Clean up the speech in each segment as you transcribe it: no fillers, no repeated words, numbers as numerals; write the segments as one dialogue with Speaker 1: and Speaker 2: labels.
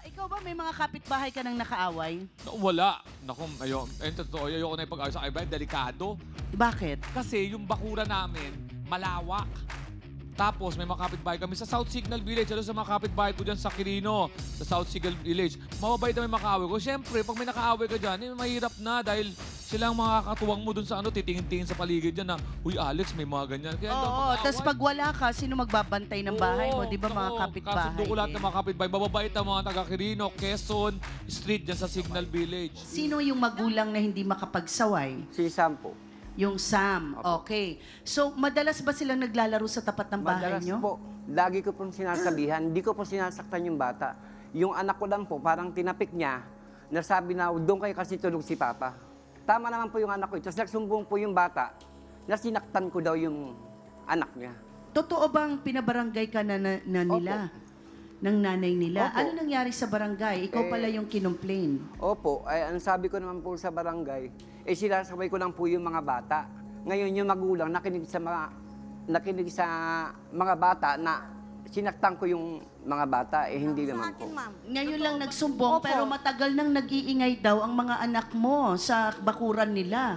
Speaker 1: Ikaw ba may mga kapitbahay ka nang nakaaway?
Speaker 2: Wala. Naku, totoo, ayoko na ipag-ayos sa kaibahan. Delikado.
Speaker 1: Bakit?
Speaker 2: Kasi yung bakura namin, malawak. Tapos may mga kapitbahay kami sa South Signal Village. Ano sa mga kapitbahay ko dyan sa Quirino, sa South Signal Village. Mababait na may makaaway ko. Siyempre, pag may nakaaway ka dyan, mahirap na dahil silang mga katuwang mo dun sa titingin-tingin sa paligid dyan na, uy, Alex, may mga ganyan. Kaya
Speaker 1: Oo, tapos pag wala ka, sino magbabantay ng bahay mo? Di ba mga kapitbahay?
Speaker 2: Kasundo ko lahat ng mga kapitbahay. Mababait ang mga taga Quirino, Quezon Street dyan sa Signal Village.
Speaker 1: Sino yung magulang na hindi makapagsaway?
Speaker 3: Si Sam po.
Speaker 1: Yung Sam. Okay. So, madalas ba silang naglalaro sa tapat ng bahay
Speaker 3: Madalas
Speaker 1: nyo?
Speaker 3: po, lagi ko pong sinasabihan, hindi ko po sinasaktan yung bata. Yung anak ko lang po, parang tinapik niya, nasabi na doon kayo kasi tulog si Papa. Tama naman po yung anak ko. Tapos nagsumbong po yung bata na sinaktan ko daw yung anak niya.
Speaker 1: Totoo bang pinabarangay ka na nila? Ng nanay nila?
Speaker 3: Opo.
Speaker 1: Ano nangyari sa barangay? Ikaw pala yung kinomplain.
Speaker 3: Opo, ay ang sabi ko naman po sa barangay, sinasabay ko lang po yung mga bata. Ngayon yung magulang nakinig sa mga bata na sinaktan ko yung mga bata, hindi naman po.
Speaker 1: Ngayon lang nagsumbong, pero matagal nang nag-iingay daw ang mga anak mo sa bakuran nila.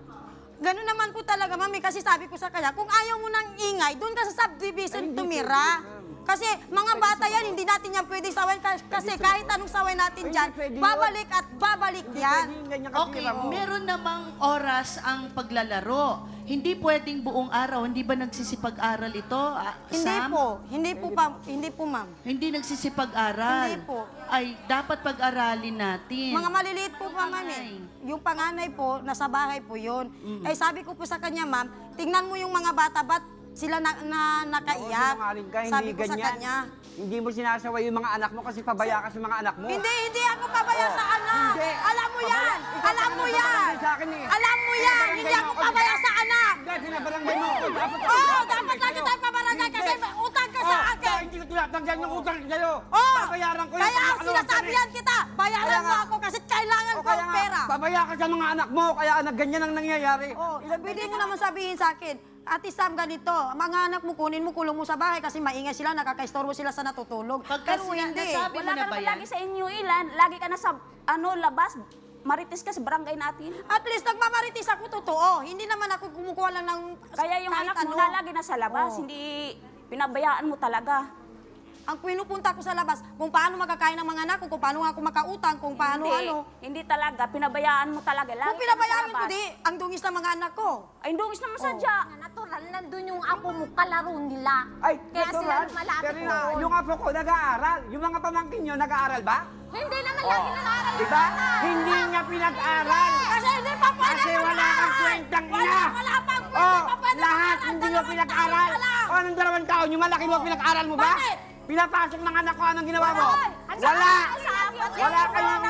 Speaker 4: Ganun naman po talaga, mami, kasi sabi ko sa kanya, kung ayaw mo nang ingay, doon ka sa subdivision tumira. Kasi mga bata yan, hindi natin yan pwedeng sawayin kasi kahit anong saway natin dyan, babalik at babalik yan.
Speaker 1: Okay, meron namang oras ang paglalaro. Hindi pwedeng buong araw. Hindi ba nagsisipag-aral ito,
Speaker 4: Hindi
Speaker 1: Sam?
Speaker 4: po, hindi po, ma'am.
Speaker 1: Hindi nagsisipag-aral.
Speaker 4: Hindi po.
Speaker 1: Ay, dapat pag-aralin natin.
Speaker 4: Mga maliliit po pa, ma'am. Yung panganay po, nasa bahay po yun. Eh, sabi ko po sa kanya, ma'am, tingnan mo yung mga bata, ba't sila nakaiyak?
Speaker 3: Sinungaling ka,
Speaker 4: Sabi
Speaker 3: hindi
Speaker 4: ko sa
Speaker 3: ganyan.
Speaker 4: kanya.
Speaker 3: Hindi mo sinasaway yung mga anak mo kasi pabaya ka sa mga anak mo.
Speaker 4: Hindi ako pabaya sa anak.
Speaker 3: Hindi.
Speaker 4: Alam mo yan.
Speaker 3: Ikaw
Speaker 4: Alam mo
Speaker 3: pa
Speaker 4: yan.
Speaker 3: naman sa akin eh.
Speaker 4: Alam mo yan. Hindi ako pabaya sa anak.
Speaker 3: Hindi, sinabarangay mo.
Speaker 4: Dapat lagi tayo pabarangay kasi may utang ka sa akin.
Speaker 3: Hindi ko tinatanggan yung utang kayo.
Speaker 4: Oh,
Speaker 3: Babayaran ko yung
Speaker 4: kaya
Speaker 3: mga
Speaker 4: sinasabi yan kita. Bayaran
Speaker 3: Kaya
Speaker 4: mo
Speaker 3: nga.
Speaker 4: ako kasi kailangan ko ang pera.
Speaker 3: Pabaya ka sa mga anak mo, kaya ganyan ang nangyayari.
Speaker 4: Oh, pwede mo naman sabihin sa akin, Ate Sam, ganito, mga anak mo, kunin mo, kulong mo sa bahay kasi maingay sila, nakakaistorbo sila sa natutulog.
Speaker 1: Pagka
Speaker 4: Pero
Speaker 1: sila
Speaker 4: hindi.
Speaker 1: nasabi mo
Speaker 5: Wala
Speaker 1: na
Speaker 5: ka
Speaker 1: ba
Speaker 5: naman
Speaker 1: yan?
Speaker 5: lagi sa inyo ilan. Lagi ka na sa labas. Marites ka sa barangay natin.
Speaker 4: At least nagmamaritis ako totoo. Hindi naman ako kumukuha lang ng
Speaker 5: Kaya yung
Speaker 4: kahit
Speaker 5: anak mo
Speaker 4: ano.
Speaker 5: na lagi na sa labas.
Speaker 4: Oo.
Speaker 5: Hindi pinabayaan mo talaga.
Speaker 4: Ang pinupunta ko sa labas, kung paano magkakain ng mga anak ko, kung paano ako makautang, kung paano
Speaker 5: Hindi talaga. Pinabayaan mo talaga. Lagi
Speaker 4: Kung
Speaker 5: ka
Speaker 4: pinabayaan
Speaker 5: na
Speaker 4: ko,
Speaker 5: sa labas.
Speaker 4: di, ang dungis ng mga anak ko.
Speaker 5: Ay, dungis naman sadya.
Speaker 6: Natural, nandun yung apo mo, kalaro nila.
Speaker 3: Ay,
Speaker 6: Kaya sila
Speaker 3: natural.
Speaker 6: lumalapit
Speaker 3: Pero
Speaker 6: doon.
Speaker 3: yung apo ko nag-aaral. Yung mga pamangkin nyo nag-aaral ba?
Speaker 6: Hindi naman lagi nag-aaral yung
Speaker 3: Diba?
Speaker 6: bata.
Speaker 3: Hindi niya pinag-aral.
Speaker 4: Kasi hindi pa pwede
Speaker 3: Kasi wala kang kwentang ina.
Speaker 4: Wala pang pwede
Speaker 3: Oh,
Speaker 4: pa pwede
Speaker 3: lahat
Speaker 4: mag-aral.
Speaker 3: hindi mo
Speaker 4: Dalawang
Speaker 3: pinag-aral.
Speaker 4: taon pa lang.
Speaker 3: O, anong 2 taon? Yung malaki mo pinag-aral mo ba?
Speaker 4: Bakit?
Speaker 3: Pinapasok ng anak ko, anong ginawa mo?
Speaker 6: At
Speaker 3: Wala.
Speaker 6: saka-
Speaker 3: Wala kayong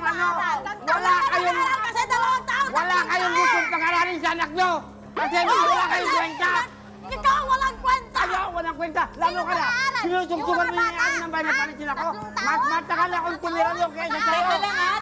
Speaker 3: wala kayong,
Speaker 4: Kasi 2 taon.
Speaker 3: wala kayong gustong pag-aralin sa anak nyo. Kasi wala kayong kwenta.
Speaker 4: Ikaw ang walang kwenta.
Speaker 3: Ayaw, walang kwenta. Lalo ka na.
Speaker 6: nag-aaral?
Speaker 3: Sinusugtukan mo yung ano ng bayan na palitin ako. Mas matagal akong tumira yung kaysa sa'yo.
Speaker 1: Teka lang ha,